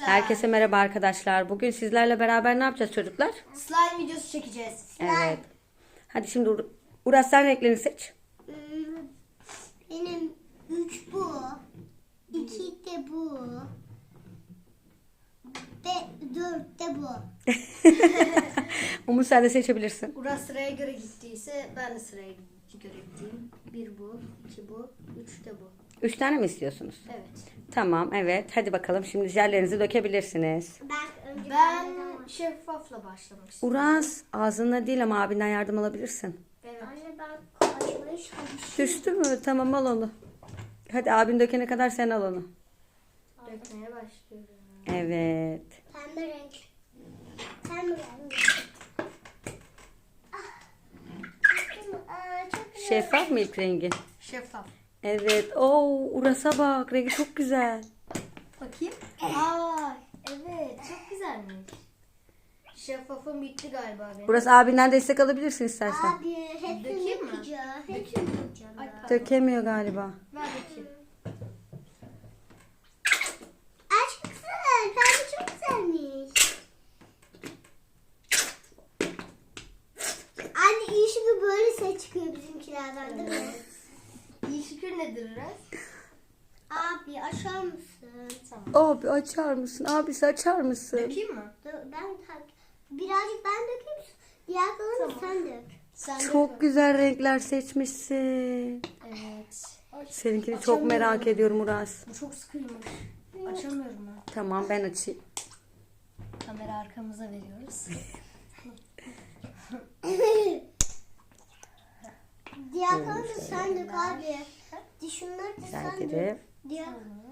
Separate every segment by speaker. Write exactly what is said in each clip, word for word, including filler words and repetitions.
Speaker 1: Herkese merhaba arkadaşlar. Bugün sizlerle beraber ne yapacağız çocuklar?
Speaker 2: Slime videosu çekeceğiz.
Speaker 1: Evet. Hadi şimdi Ur- Uras sen renklerini seç.
Speaker 3: Benim üç bu. iki de bu. Ve dört de bu.
Speaker 1: Umut sen de seçebilirsin.
Speaker 2: Uras sıraya göre gittiyse ben de sıraya göre gideyim. Bir bu, iki bu, üç de bu.
Speaker 1: Üç tane mi istiyorsunuz?
Speaker 2: Evet.
Speaker 1: Tamam, evet. Hadi bakalım şimdi jellerinizi dökebilirsiniz.
Speaker 3: Ben önce
Speaker 2: Ben şeffafla başlamak istiyorum.
Speaker 1: Uras ağzında değil ama abinden yardım alabilirsin.
Speaker 2: Evet.
Speaker 3: Anne ben açmaya çalışıyorum.
Speaker 1: Düştü mü? Tamam, al onu. Hadi abin dökene kadar sen al onu.
Speaker 2: Dökmeye başlıyorum.
Speaker 1: Evet.
Speaker 3: Pembe renk. Pembe renk. Ah. Aa, çok güzel.
Speaker 1: Şeffaf mı ilk rengi?
Speaker 2: Şeffaf.
Speaker 1: Evet. Oo, Uras'a bak. Rengi çok güzel.
Speaker 2: Bakayım. Aa, evet çok güzelmiş. Şeffafım bitti galiba benim.
Speaker 1: Uras abinden destek alabilirsin istersen.
Speaker 3: Abi hepsini
Speaker 2: Dökeyim mi?
Speaker 3: yapacağım. Hepsini yapacağım.
Speaker 2: Ay,
Speaker 3: ben.
Speaker 2: pardon.
Speaker 1: Dökemiyor galiba.
Speaker 2: Ver bakayım.
Speaker 3: Aç mısın? Pembe çok güzelmiş. Anne iyi şükür böyle ses çıkıyor bizimkilerden değil mi?
Speaker 2: Evet. İyi şükür nedir Uras?
Speaker 3: Abi açar mısın?
Speaker 2: Tamam.
Speaker 1: Abi açar mısın? Abisi açar mısın?
Speaker 2: Dökeyim mi?
Speaker 3: Dur, ben tak. Birazcık ben dökeyim. Diğer kalanı sen dök.
Speaker 2: Sen
Speaker 1: Çok
Speaker 2: dök.
Speaker 1: güzel renkler seçmişsin.
Speaker 2: Evet. Ay,
Speaker 1: Seninkini çok
Speaker 2: açamıyorum.
Speaker 1: merak ediyorum Uras.
Speaker 2: Bu çok sıkıymış. Açamıyorum ben.
Speaker 1: Tamam ben açayım.
Speaker 2: Kamera arkamıza veriyoruz.
Speaker 3: Diğer kalanı da sen dök abi. Di şunları da
Speaker 1: Rica
Speaker 3: sen dök.
Speaker 1: ederim.
Speaker 3: Diğer...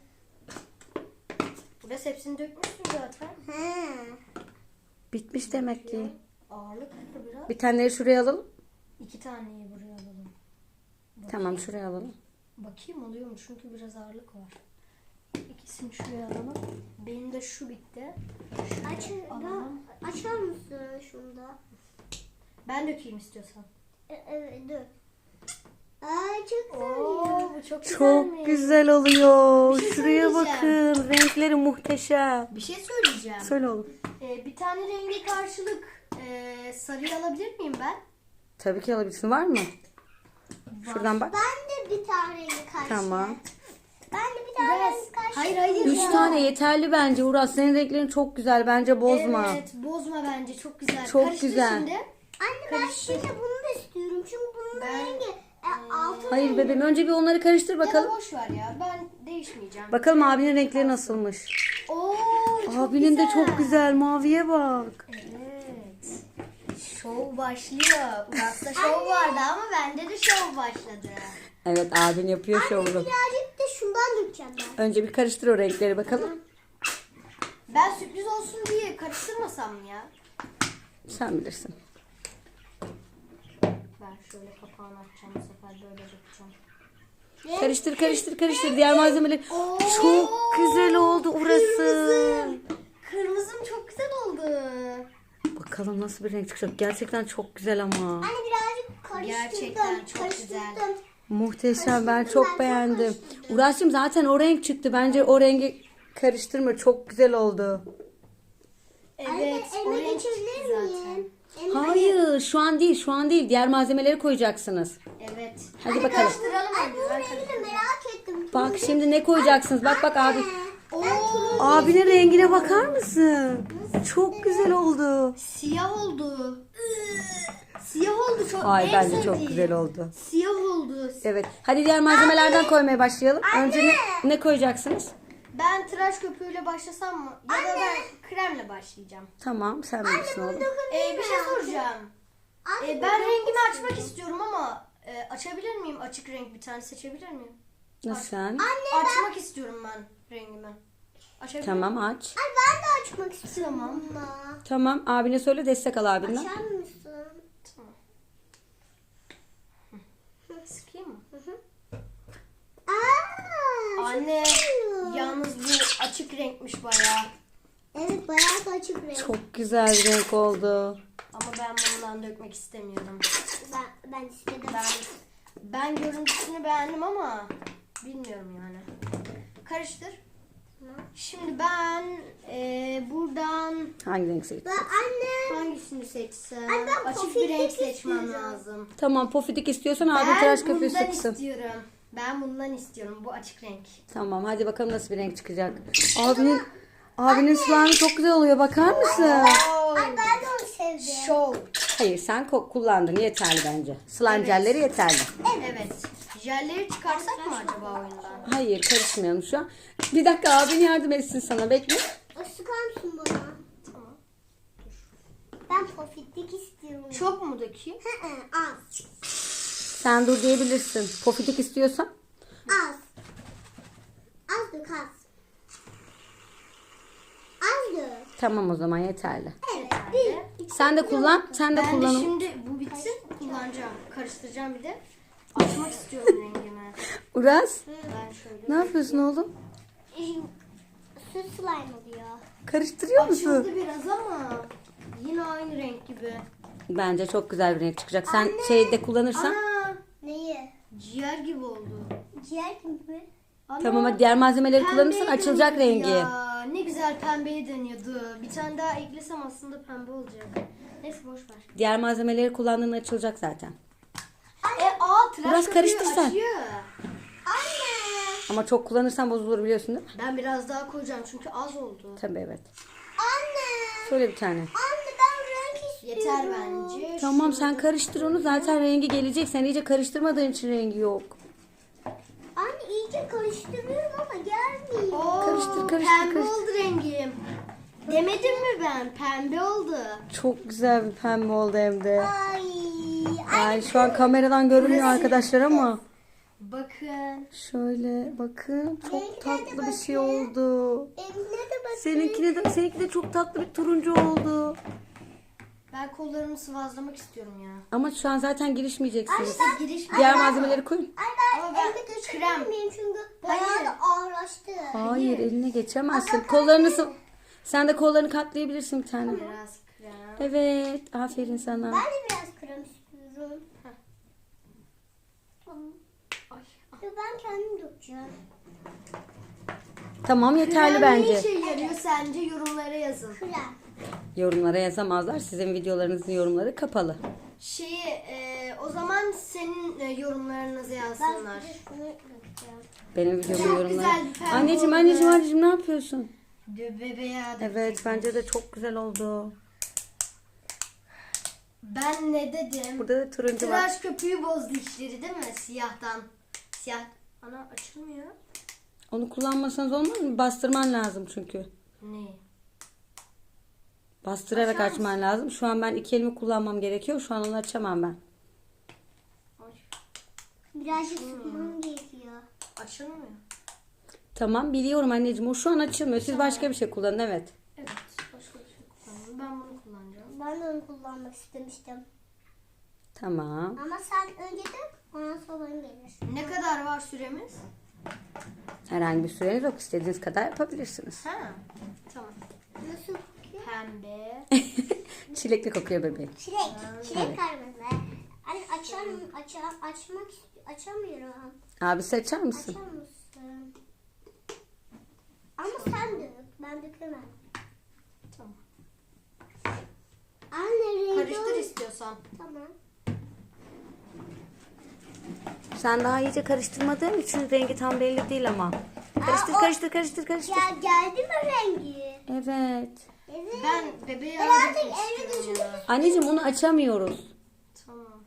Speaker 2: Burası hepsini dökmüşsün zaten.
Speaker 3: He.
Speaker 1: Bitmiş demek ki.
Speaker 2: Ağırlık biraz.
Speaker 1: Bir taneleri şuraya alalım.
Speaker 2: İki taneyi buraya alalım.
Speaker 1: Tamam şuraya alalım.
Speaker 2: Bakayım oluyor mu? Çünkü biraz ağırlık var. İkisini şuraya alalım. Benim de şu bitti.
Speaker 3: Aç,
Speaker 2: Alalım.
Speaker 3: ben, açar mısın şunu da?
Speaker 2: Ben dökeyim istiyorsan.
Speaker 3: E, evet dök. Ay çok güzel
Speaker 2: Oo,
Speaker 3: ya.
Speaker 2: bu çok güzelmiş.
Speaker 1: Çok güzel oluyor.
Speaker 2: Bir şey
Speaker 1: Şuraya
Speaker 2: söyleyeceğim.
Speaker 1: bakın. Renkleri muhteşem.
Speaker 2: Bir şey söyleyeceğim.
Speaker 1: Söyle oğlum.
Speaker 2: Ee, bir tane rengi karşılık e, sarıyı alabilir miyim ben?
Speaker 1: Tabii ki alabilirsin. Var mı? Şuradan bak.
Speaker 3: Ben de bir tane rengi karşı.
Speaker 1: Tamam.
Speaker 3: Ben de bir tane
Speaker 2: Biraz.
Speaker 3: rengi karşı.
Speaker 2: Hayır hayır.
Speaker 1: Üç
Speaker 2: ya.
Speaker 1: tane yeterli bence Uras. Senin renklerin çok güzel. Bence bozma.
Speaker 2: Evet bozma bence çok güzel.
Speaker 1: Çok
Speaker 2: Karıştır
Speaker 1: güzel.
Speaker 2: şimdi.
Speaker 3: Anne ben şimdi bunu da istiyorum. Çünkü bunun
Speaker 2: Ben-
Speaker 3: rengi e, altın
Speaker 1: Hayır
Speaker 3: rengi.
Speaker 1: bebeğim. Önce bir onları karıştır
Speaker 2: Ya da
Speaker 1: bakalım.
Speaker 2: boş ver ya. Ben değişmeyeceğim.
Speaker 1: Bakalım abinin renkleri nasılmış.
Speaker 2: Oo, çok
Speaker 1: Abinin
Speaker 2: güzel.
Speaker 1: de çok güzel. Maviye bak.
Speaker 2: Evet. Şov başlıyor. Uras'ta şov vardı ama bende de şov başladı.
Speaker 1: Evet abin yapıyor şovunu.
Speaker 3: Birazcık da şundan dökeceğim ben.
Speaker 1: Önce bir karıştır o renkleri bakalım.
Speaker 2: Ben sürpriz olsun diye karıştırmasam mı ya?
Speaker 1: Sen bilirsin.
Speaker 2: Ben şöyle kapağını açacağım bu sefer böyle dökeceğim.
Speaker 1: Karıştır karıştır karıştır. Diğer malzemeleri. Çok güzel oldu orası.
Speaker 2: Kırmızım çok güzel oldu.
Speaker 1: Bakalım nasıl bir renk çıkacak. Gerçekten çok güzel ama.
Speaker 3: Anne birazcık karıştırdım.
Speaker 2: Gerçekten çok
Speaker 3: karıştırdım.
Speaker 2: güzel.
Speaker 1: Muhteşem. Ben
Speaker 3: Ben
Speaker 1: çok
Speaker 3: çok
Speaker 1: beğendim.
Speaker 3: karıştırdım.
Speaker 1: Uğraş'cığım zaten o renk çıktı. Bence o rengi karıştırma. Çok güzel oldu.
Speaker 2: Evet,
Speaker 3: Anne
Speaker 2: o
Speaker 3: elime
Speaker 2: renk çıktı
Speaker 3: geçebilir
Speaker 2: zaten.
Speaker 3: miyim? Elime-
Speaker 1: Hayır şu an değil şu an değil. Diğer malzemeleri koyacaksınız.
Speaker 2: Evet.
Speaker 1: Hadi bakalım.
Speaker 2: Karıştıralım
Speaker 3: Ay
Speaker 2: önce.
Speaker 3: bu
Speaker 2: Ben
Speaker 3: rengini
Speaker 2: karıştırayım.
Speaker 3: merak ettim.
Speaker 1: Bak şimdi ne koyacaksınız. Bak bak abi.
Speaker 2: Oo,
Speaker 1: Abinin rengine bakar mısın? Çok güzel oldu.
Speaker 2: siyah oldu. Siyah oldu çok.
Speaker 1: Ay
Speaker 2: en
Speaker 1: bence çok
Speaker 2: sevdiğim.
Speaker 1: güzel oldu.
Speaker 2: Siyah oldu.
Speaker 1: Evet. Hadi diğer malzemelerden koymaya başlayalım. Önce ne, ne koyacaksınız?
Speaker 2: Ben tıraş köpüğüyle başlasam mı? Ya da ben kremle başlayacağım.
Speaker 1: Tamam sen bilirsin oğlum.
Speaker 2: Ee, bir şey soracağım.
Speaker 3: Anne,
Speaker 2: Ee, ben rengimi açmak istiyorum ama e, açabilir miyim? Açık renk bir tane seçebilir miyim?
Speaker 1: Nasıl sen?
Speaker 2: Açmak istiyorum ben rengimi. Açabilir
Speaker 1: Tamam
Speaker 2: miyim?
Speaker 1: aç.
Speaker 3: Ay ben de açmak istiyorum
Speaker 2: Tamam.
Speaker 3: ama.
Speaker 1: Tamam abine söyle destek al abinden.
Speaker 3: Açar mısın?
Speaker 2: Tamam. Sıkayım mı?
Speaker 3: Aa,
Speaker 2: Anne
Speaker 3: güzel.
Speaker 2: yalnız bu açık renkmiş bayağı.
Speaker 3: Evet bayağı da açık renk.
Speaker 1: Çok güzel bir renk oldu.
Speaker 2: Ama ben bundan dökmek istemiyorum.
Speaker 3: Ben, ben istedim.
Speaker 2: Ben ben görüntüsünü beğendim ama bilmiyorum yani. Karıştır. Şimdi ben e, buradan
Speaker 1: Hangi renk seçtin?
Speaker 3: Ben anne.
Speaker 2: hangisini seçsem?
Speaker 3: Ay, ben
Speaker 2: Açık bir
Speaker 3: pofidik
Speaker 2: renk seçmem
Speaker 3: istiyorum.
Speaker 2: lazım.
Speaker 1: Tamam, pofidik istiyorsan abi
Speaker 2: Ben
Speaker 1: tıraş köpüğü
Speaker 2: bundan
Speaker 1: sıksın.
Speaker 2: istiyorum. Ben bundan istiyorum. Bu açık renk.
Speaker 1: Tamam, hadi bakalım nasıl bir renk çıkacak. Abinin abinin slime çok güzel oluyor, bakar mısın?
Speaker 3: Ay ben de onu sevdim.
Speaker 2: Show.
Speaker 1: Hayır, sen ko- kullandın, yeterli bence. Slime
Speaker 2: Evet.
Speaker 1: jelleri yeterli.
Speaker 2: Evet. Jelleri çıkarsak mı acaba oyundan?
Speaker 1: Hayır, karışmayalım şu an. Bir dakika, abin yardım etsin sana, bekle.
Speaker 3: O sıkar mısın bana?
Speaker 2: Tamam.
Speaker 3: Ben pofitlik istiyorum.
Speaker 2: Çok mu dökeyim?
Speaker 3: Hı hı, az.
Speaker 1: Sen dur diyebilirsin. Pofidik istiyorsan.
Speaker 3: Az. Az dök az. Az dök.
Speaker 1: Tamam, o zaman yeterli.
Speaker 3: Evet. Bir. iki-
Speaker 1: Sen de kullan, sen de
Speaker 2: Ben de
Speaker 1: kullan.
Speaker 2: şimdi bu bitsin kullanacağım. Karıştıracağım bir de. Açmak istiyorum rengimi.
Speaker 1: Uras,
Speaker 2: Ben şöyle.
Speaker 1: ne yapıyorsun oğlum?
Speaker 3: Süt slime oluyor.
Speaker 1: Karıştırıyor musun?
Speaker 2: Açıldı biraz ama yine aynı renk gibi.
Speaker 1: Bence çok güzel bir renk çıkacak. Sen şeyde kullanırsan.
Speaker 2: Ana
Speaker 3: Neyi?
Speaker 2: ciğer gibi oldu.
Speaker 3: Ciğer gibi mi?
Speaker 2: Ana,
Speaker 1: Tamam, hadi diğer malzemeleri kullanırsan
Speaker 2: pembeye
Speaker 1: açılacak
Speaker 2: dönüyordu
Speaker 1: rengi.
Speaker 2: Ya. Ne güzel pembeye dönüyordu. Bir tane daha eklesem aslında pembe olacak. Neyse boş ver.
Speaker 1: Diğer malzemeleri kullandığında açılacak zaten.
Speaker 2: E aa tıraş
Speaker 1: Biraz
Speaker 2: köpüğü
Speaker 1: karıştır sen.
Speaker 2: açıyor.
Speaker 3: Anne.
Speaker 1: Ama çok kullanırsan bozulur, biliyorsun değil mi?
Speaker 2: Ben biraz daha koyacağım çünkü az oldu.
Speaker 1: Tabii, evet.
Speaker 3: Anne.
Speaker 1: Söyle bir tane.
Speaker 3: Anne ben renk istiyorum.
Speaker 2: Yeter bence.
Speaker 1: Tamam,
Speaker 2: Şu-
Speaker 1: sen karıştır onu, zaten rengi gelecek. Sen iyice karıştırmadığın için rengi yok.
Speaker 3: Anne iyice karıştırıyorum ama gelmiyor.
Speaker 2: Oo,
Speaker 1: Karıştır, karıştır,
Speaker 2: pembe
Speaker 1: karıştır.
Speaker 2: oldu rengim. Demedim mi ben? Pembe oldu.
Speaker 1: Çok güzel bir pembe oldu hem de.
Speaker 3: Ay.
Speaker 1: Ay, şu an kameradan görünmüyor arkadaşlar ama.
Speaker 2: Bakın.
Speaker 1: Şöyle bakın, çok
Speaker 3: Renkler de
Speaker 1: tatlı bir şey
Speaker 3: bakın.
Speaker 1: oldu.
Speaker 3: Eline de bakın.
Speaker 1: Seninkine de, seninki de çok tatlı bir turuncu oldu.
Speaker 2: Ben kollarımı sıvazlamak istiyorum ya.
Speaker 1: Ama şu an zaten girişmeyeceksiniz.
Speaker 2: Siz giriş
Speaker 1: Diğer malzemeleri koyun.
Speaker 3: Ay ben
Speaker 2: Ama ben
Speaker 3: elime
Speaker 2: krem.
Speaker 3: geçiremeyeyim çünkü bayağı
Speaker 2: Hayır.
Speaker 3: da ağırlaştı.
Speaker 1: Hayır, eline geçemezsin. Kollarını sı- Sen de kollarını katlayabilirsin bir tane.
Speaker 2: Biraz krem.
Speaker 1: Evet, aferin sana.
Speaker 3: Ben de biraz krem istiyorum. Tamam.
Speaker 2: Ay.
Speaker 3: Ya ben kendim dökeceğim.
Speaker 1: Tamam, yeterli
Speaker 2: Krem
Speaker 1: bence.
Speaker 2: ne işe yarıyor sence? Yorumlara yazın.
Speaker 3: Krem.
Speaker 1: Yorumlara yazamazlar. Sizin videolarınızın yorumları kapalı.
Speaker 2: Şeyi e, o zaman senin e, yorumlarınızı
Speaker 3: Ben
Speaker 2: yazsınlar.
Speaker 3: size şunu dökeceğim.
Speaker 1: Benim videomun
Speaker 2: Çok
Speaker 1: yorumları.
Speaker 2: güzel bir pembe
Speaker 1: Anneciğim,
Speaker 2: oldu.
Speaker 1: anneciğim, anneciğim, ne yapıyorsun?
Speaker 2: Be- Bebeğe
Speaker 1: Evet, bence de çok güzel oldu.
Speaker 2: Ben ne dedim?
Speaker 1: Burada da turuncu var.
Speaker 2: Tıraş köpüğü bozdu işleri değil mi? Siyahtan. Siyah. Ana açılmıyor.
Speaker 1: Onu kullanmasanız olmaz mı? Bastırman lazım çünkü.
Speaker 2: Ne?
Speaker 1: Bastırarak
Speaker 2: Açar
Speaker 1: açman lazım. Şu an ben iki elimi kullanmam gerekiyor. Şu an onu açamam ben.
Speaker 2: Ay,
Speaker 3: Birazcık sıkmam gerekiyor.
Speaker 2: açılmıyor.
Speaker 1: Tamam, biliyorum anneciğim. O şu an açılmıyor. Siz başka bir şey kullanın, evet.
Speaker 2: Evet. Başka bir şey kullanıyorum. Ben bunu kullanacağım.
Speaker 3: Ben de onu kullanmak istemiştim.
Speaker 1: Tamam.
Speaker 3: Ama sen önce dök, ondan sonra benim gelir.
Speaker 2: Ne kadar var süremiz?
Speaker 1: Herhangi bir süreniz yok. İstediğiniz kadar yapabilirsiniz.
Speaker 2: Ha. Tamam.
Speaker 3: Nasıl kokuyor?
Speaker 2: Pembe.
Speaker 1: Çilekli kokuyor bebeğim.
Speaker 3: Çilek. Çilek kırmızı. Anne açar mı? Açar, açmak ist- açamıyorum.
Speaker 1: Abisi açar mısın?
Speaker 3: Açar mısın? Ama sen dök. Ben dökemem.
Speaker 2: Tamam.
Speaker 3: Anne rengi
Speaker 2: Karıştır
Speaker 3: ol-
Speaker 2: istiyorsan.
Speaker 3: Tamam.
Speaker 1: Sen daha iyice karıştırmadığın için rengi tam belli değil ama. Karıştır,
Speaker 3: Aa, o-
Speaker 1: karıştır, karıştır, karıştır.
Speaker 3: Ya geldi mi rengi?
Speaker 1: Evet.
Speaker 3: Evet.
Speaker 2: Ben bebeğe
Speaker 3: Ben
Speaker 2: yardım
Speaker 3: artık
Speaker 2: etmek
Speaker 3: eve
Speaker 2: istiyorum
Speaker 3: götürmek
Speaker 2: ya.
Speaker 1: Anneciğim, onu açamıyoruz.
Speaker 2: Tamam.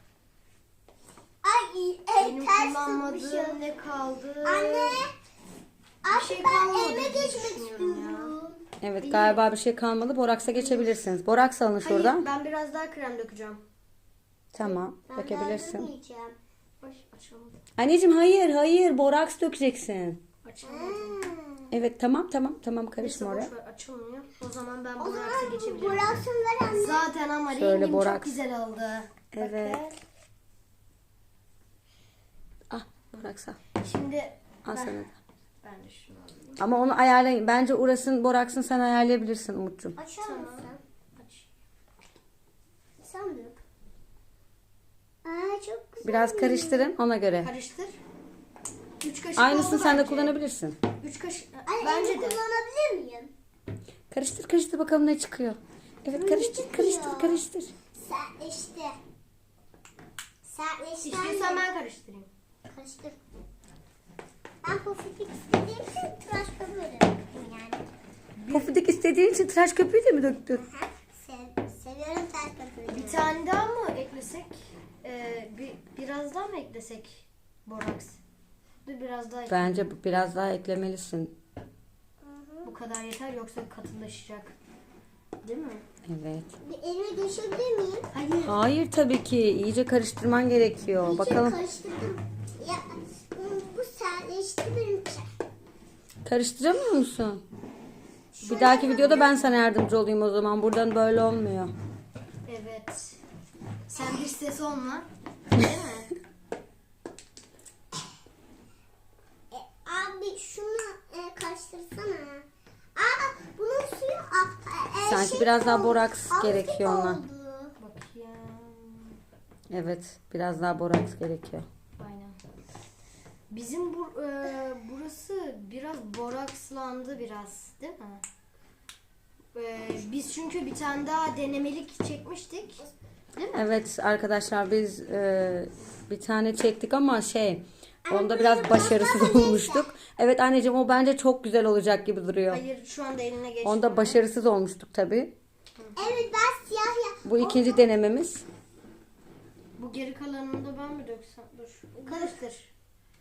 Speaker 3: Ay iyi.
Speaker 2: Benim
Speaker 3: El ters
Speaker 2: kullanmadığım
Speaker 3: tutmuşum.
Speaker 2: ne kaldı?
Speaker 3: Anne. Artık
Speaker 2: şey
Speaker 3: ben
Speaker 2: kalmadı
Speaker 3: eve
Speaker 2: diye
Speaker 3: geçmek
Speaker 2: düşünüyorum ya.
Speaker 3: istiyorum.
Speaker 1: Evet, galiba bir şey kalmadı. Boraks'a geçebilirsiniz. Boraks alın
Speaker 2: Hayır,
Speaker 1: şuradan.
Speaker 2: ben biraz daha krem dökeceğim.
Speaker 1: Tamam,
Speaker 3: Ben daha
Speaker 1: dökebilirsin.
Speaker 3: dökmeyeceğim.
Speaker 2: Ay açamadım.
Speaker 1: Anneciğim, hayır, hayır. Boraks dökeceksin.
Speaker 2: Açamadım.
Speaker 3: Hmm.
Speaker 1: Evet, tamam, tamam, tamam.
Speaker 2: Neyse
Speaker 1: Karışma
Speaker 2: boş
Speaker 1: oraya.
Speaker 2: ver, açılmıyor. O zaman ben
Speaker 3: O
Speaker 2: boraksa
Speaker 3: zaman
Speaker 2: geçebilirim.
Speaker 3: bıraksın ver anne.
Speaker 2: Zaten ama
Speaker 1: Şöyle
Speaker 2: rengim
Speaker 1: boraks.
Speaker 2: çok güzel oldu.
Speaker 1: Evet.
Speaker 2: Bakın.
Speaker 1: Ah, Boraks al.
Speaker 2: Şimdi
Speaker 1: Al
Speaker 2: ben,
Speaker 1: sana da.
Speaker 2: ben de şunu alayım.
Speaker 1: Ama onu ayarlayın. Bence Uras'ın, Boraks'ın sen ayarlayabilirsin Umut'cum.
Speaker 3: Açar
Speaker 2: Tamam.
Speaker 3: mısın?
Speaker 2: Aç.
Speaker 3: Sen dök. Aa çok güzel.
Speaker 1: Biraz karıştırın ona göre.
Speaker 2: Karıştır. Üç kaşık
Speaker 1: Aynısını
Speaker 2: oldu
Speaker 1: sen de
Speaker 2: bence.
Speaker 1: kullanabilirsin.
Speaker 2: Üç kaşık.
Speaker 3: Anne
Speaker 2: Bence
Speaker 3: elimi
Speaker 2: de.
Speaker 3: kullanabilir miyim?
Speaker 1: Karıştır karıştır bakalım ne çıkıyor. Evet karıştır karıştır karıştır.
Speaker 3: Sertleşti. Sertleşti.
Speaker 2: İstiyorsan ben karıştırayım.
Speaker 3: Karıştır. Ben pofuduk istediğim için tıraş köpüğü yani.
Speaker 1: Pofidik istediğin için tıraş köpüğü de mi döktün?
Speaker 3: Aha, Sev, seviyorum tıraş köpüğünü.
Speaker 2: Bir tane daha mı eklesek? Ee, bir, biraz daha mı eklesek? Boraks. Dur biraz daha ekle.
Speaker 1: Bence bu- biraz daha eklemelisin.
Speaker 2: Bu kadar yeter yoksa katılaşacak. Değil mi?
Speaker 1: Evet.
Speaker 3: Bir elime geçebilir miyim?
Speaker 2: Hayır.
Speaker 1: Hayır tabii ki. İyice karıştırman gerekiyor.
Speaker 3: İyice
Speaker 1: Bakalım.
Speaker 3: karıştırdım. Ya bu sertleşti benimki.
Speaker 1: Karıştıramıyor musun? Bir dahaki videoda ben sana yardımcı olayım o zaman. Buradan böyle olmuyor.
Speaker 2: Evet. Sen bir ses olma. Değil mi?
Speaker 3: E, abi şunu e, karıştırsana. Aa bunun suyu a, e,
Speaker 1: Sanki
Speaker 3: şey
Speaker 1: biraz daha
Speaker 3: oldu,
Speaker 1: boraks
Speaker 3: azıcık
Speaker 1: gerekiyor ona.
Speaker 3: oldu.
Speaker 2: Bakayım.
Speaker 1: Evet. Biraz daha boraks gerekiyor.
Speaker 2: Aynen. Bizim bu, e, burası biraz borakslandı biraz. Değil mi? E, biz çünkü bir tane daha denemelik çekmiştik. Değil mi?
Speaker 1: Evet arkadaşlar biz e, bir tane çektik ama şey onda biraz başarısız olmuştuk. Evet anneciğim o bence çok güzel olacak gibi duruyor.
Speaker 2: Hayır şu anda eline geçti.
Speaker 1: Onda başarısız olmuştuk tabii.
Speaker 3: Evet ben siyah ya.
Speaker 1: Bu ikinci denememiz.
Speaker 2: Bu geri kalanını da ben mi döksem? Dur. Karıştır.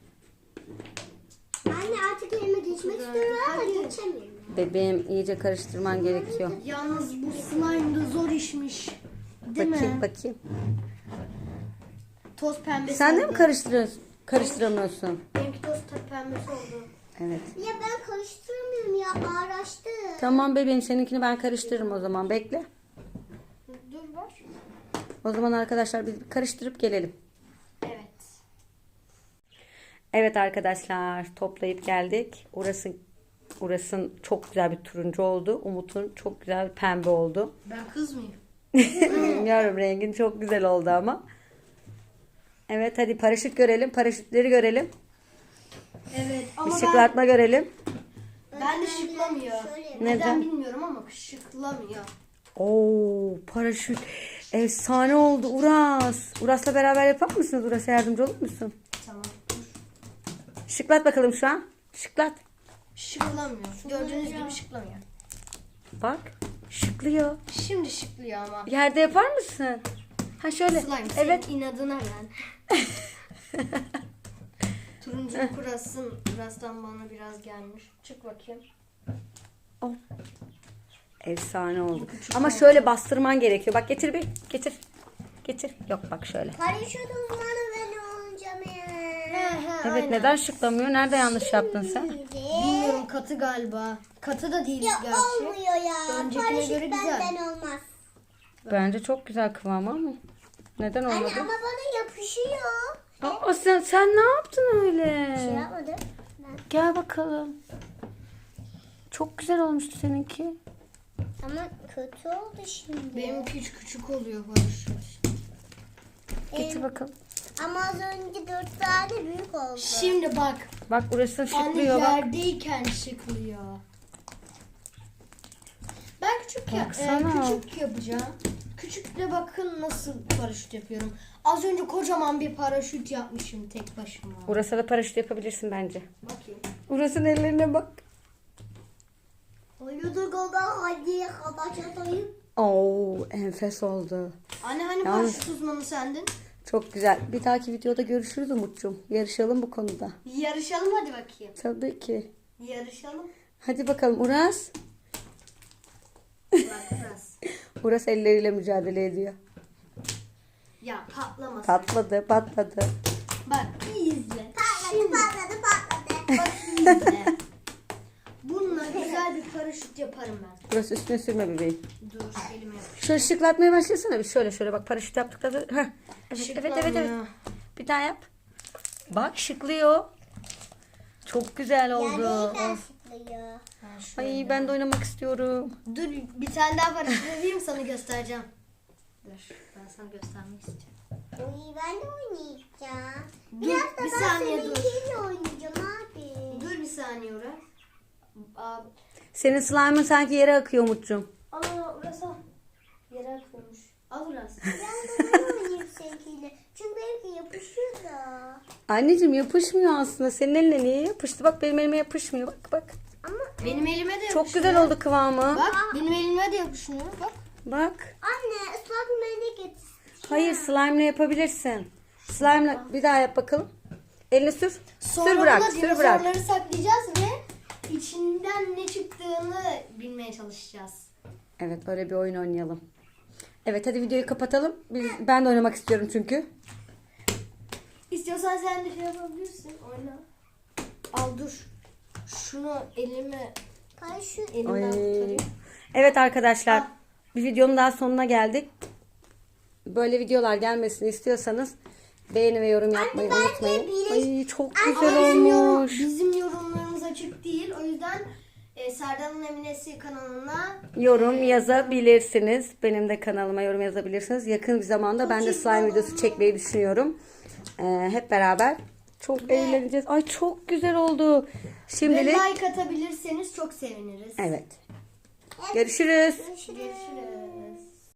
Speaker 3: Anne artık elime geçmek istiyorum ama
Speaker 2: Hayır.
Speaker 3: geçemiyorum.
Speaker 1: Bebeğim iyice karıştırman gerekiyor.
Speaker 2: Yalnız bu slime da zor işmiş. Değil
Speaker 1: Bakayım
Speaker 2: mi?
Speaker 1: bakayım.
Speaker 2: Toz pembesi
Speaker 1: Sen de
Speaker 2: oldu.
Speaker 1: mi karıştırıyorsun? Karıştıramıyorsun.
Speaker 2: Benimki toz pembesi oldu.
Speaker 1: Evet.
Speaker 3: Ya ben karıştıramıyorum ya ağraştı.
Speaker 1: Tamam bebeğim seninkini ben karıştırırım o zaman. Bekle.
Speaker 2: Dur var.
Speaker 1: O zaman arkadaşlar biz bir karıştırıp gelelim.
Speaker 2: Evet.
Speaker 1: Evet arkadaşlar toplayıp geldik. Orası Uras'ın çok güzel bir turuncu oldu. Umut'un çok güzel bir pembe oldu.
Speaker 2: Ben kız mıyım?
Speaker 1: Bilmiyorum rengin çok güzel oldu ama. Evet hadi paraşüt görelim. Paraşütleri görelim.
Speaker 2: Evet ama ben,
Speaker 1: Işıklatma görelim.
Speaker 2: ben de şıklamıyor.
Speaker 3: Şöyle.
Speaker 2: Neden
Speaker 1: Neden?
Speaker 2: bilmiyorum ama şıklamıyor.
Speaker 1: Oo paraşüt. Efsane oldu Uras. Uras'la beraber yapar mısınız? Uras'a yardımcı olur musun?
Speaker 2: Tamam.
Speaker 1: Şıklat bakalım şu an. Şıklat.
Speaker 2: Şıklamıyor. Gördüğünüz gibi şıklamıyor.
Speaker 1: Bak. Şıklıyor.
Speaker 2: Şimdi şıklıyor ama.
Speaker 1: Yerde yapar mısın? Ha şöyle.
Speaker 2: Slime
Speaker 1: Evet.
Speaker 2: senin inadına ben. Turuncu kurasın. Kurastan bana biraz gelmiş. Çık bakayım.
Speaker 1: Oh. Efsane oldu. Ama şöyle bastırman gerekiyor. Bak getir bir. Getir. Getir. Yok bak şöyle.
Speaker 3: Paraşüt uzmanı ben olacağım ya.
Speaker 1: Evet neden şıklamıyor? Nerede yanlış yaptın sen?
Speaker 2: Bilmiyorum katı galiba. Katı da değil
Speaker 3: Ya
Speaker 2: gerçi.
Speaker 3: olmuyor ya.
Speaker 2: Öncekine
Speaker 3: Paraşüt
Speaker 2: göre güzel.
Speaker 3: benden olmaz.
Speaker 1: Bence çok güzel kıvamı ama. Neden
Speaker 3: Anne
Speaker 1: olmadı?
Speaker 3: ama bana yapışıyor.
Speaker 1: Aa, sen, sen ne yaptın öyle?
Speaker 3: Şey yapmadım. Ben.
Speaker 1: Gel bakalım. Çok güzel olmuştu seninki.
Speaker 3: Ama kötü oldu şimdi.
Speaker 2: Benim küçük küçük oluyor Barış.
Speaker 1: Getir bakalım.
Speaker 3: Ama az önce dört tane büyük oldu.
Speaker 2: Şimdi bak.
Speaker 1: Bak burası
Speaker 2: Anne
Speaker 1: şıklıyor bak.
Speaker 2: yerdeyken şıklıyor. Ben küçük ya, e,
Speaker 1: Baksana.
Speaker 2: küçük yapacağım. Küçükle bakın nasıl paraşüt yapıyorum. Az önce kocaman bir paraşüt yapmışım tek başıma.
Speaker 1: Burası da paraşüt yapabilirsin bence.
Speaker 2: Bakayım.
Speaker 1: Burasının ellerine bak.
Speaker 3: Haydi kadar hadi kadar çatayım.
Speaker 1: Oo enfes oldu.
Speaker 2: Anne hani
Speaker 1: Yalnız-
Speaker 2: paraşüt uzmanı sendin?
Speaker 1: Çok güzel. Bir dahaki videoda görüşürüz Umut'cum. Yarışalım bu konuda.
Speaker 2: Yarışalım hadi bakayım.
Speaker 1: Tabii ki.
Speaker 2: Yarışalım.
Speaker 1: Hadi bakalım Uras.
Speaker 2: Bak biraz.
Speaker 1: Uras elleriyle mücadele ediyor.
Speaker 2: Ya patlamasın.
Speaker 1: Patladı patladı.
Speaker 2: Bak iyi izle.
Speaker 3: Patladı patladı patladı.
Speaker 2: Bak iyi izle. Bununla güzel bir paraşüt yaparım ben.
Speaker 1: Uras üstüne sürme bebeğim.
Speaker 2: Dur elime yapış.
Speaker 1: Şöyle şıklatmaya başlasana bir. Şöyle şöyle bak paraşüt yaptıktan sonra. Heh. Evet, evet evet evet.
Speaker 2: Şıklanıyor.
Speaker 1: Bir daha yap. Bak şıklıyor. Çok güzel oldu.
Speaker 3: Yerden
Speaker 1: Of.
Speaker 3: sıkılıyor.
Speaker 2: Ha, şöyle.
Speaker 1: Ay ben de oynamak istiyorum.
Speaker 2: Dur bir tane daha paraşüt vereyim sana göstereceğim. Dur ben sana göstermek istiyorum.
Speaker 3: Oy, ben de oynayacağım.
Speaker 2: Dur,
Speaker 3: Biraz da
Speaker 2: bir
Speaker 3: ben
Speaker 2: saniye dur.
Speaker 3: seninkiyle oynayacağım abi.
Speaker 2: Dur bir saniye Uras. Aa,
Speaker 1: Senin slime'ın sanki yere akıyor Umut'cum.
Speaker 2: Ana Uras al. Yere akıyormuş. Al Uras.
Speaker 3: Ben de ben oynayayım seninkiyle. Çünkü benimki yapışıyor da.
Speaker 1: Anneciğim yapışmıyor aslında. Senin eline niye yapıştı? Bak benim elime yapışmıyor. Bak bak.
Speaker 3: Ama
Speaker 2: Benim elime de
Speaker 1: Çok
Speaker 2: yapışmıyor.
Speaker 1: güzel oldu kıvamı.
Speaker 2: Bak benim elime de yapışmıyor. Bak.
Speaker 1: Bak.
Speaker 3: anne ıslak mendil getir.
Speaker 1: Hayır slime'la yapabilirsin. Slime'la bir daha yap bakalım. Elini sür.
Speaker 2: Sonra
Speaker 1: sür bırak.
Speaker 2: da
Speaker 1: Sür bırak.
Speaker 2: dinozorları saklayacağız ve içinden ne çıktığını bilmeye çalışacağız.
Speaker 1: Evet öyle bir oyun oynayalım. Evet hadi videoyu kapatalım. Biz, ben de oynamak istiyorum çünkü.
Speaker 2: İstiyorsan sen de şey yapabilirsin. Oyna. Al dur. Şunu elime
Speaker 3: Kay şu
Speaker 2: elimden
Speaker 1: Ay.
Speaker 2: kurtarayım.
Speaker 1: Evet arkadaşlar
Speaker 2: Ah.
Speaker 1: bir videonun daha sonuna geldik. Böyle videolar gelmesini istiyorsanız beğeni ve yorum yapmayı
Speaker 3: bence
Speaker 1: unutmayın.
Speaker 3: biri-
Speaker 1: Ay çok
Speaker 2: Ama
Speaker 1: güzel
Speaker 2: bizim, yorum,
Speaker 1: olmuş.
Speaker 2: bizim yorumlarımız açık değil. O yüzden e, Serdar'ın Eminesi kanalına
Speaker 1: Yorum yazabilirsiniz. Benim de kanalıma yorum yazabilirsiniz. Yakın bir zamanda ben de slime videosu çekmeyi düşünüyorum. Ee, hep beraber çok eğleneceğiz. Ay çok güzel oldu.
Speaker 2: ve
Speaker 1: Şimdilik
Speaker 2: like atabilirseniz çok seviniriz.
Speaker 1: evet. Görüşürüz.
Speaker 3: Görüşürüz.
Speaker 2: Görüşürüz.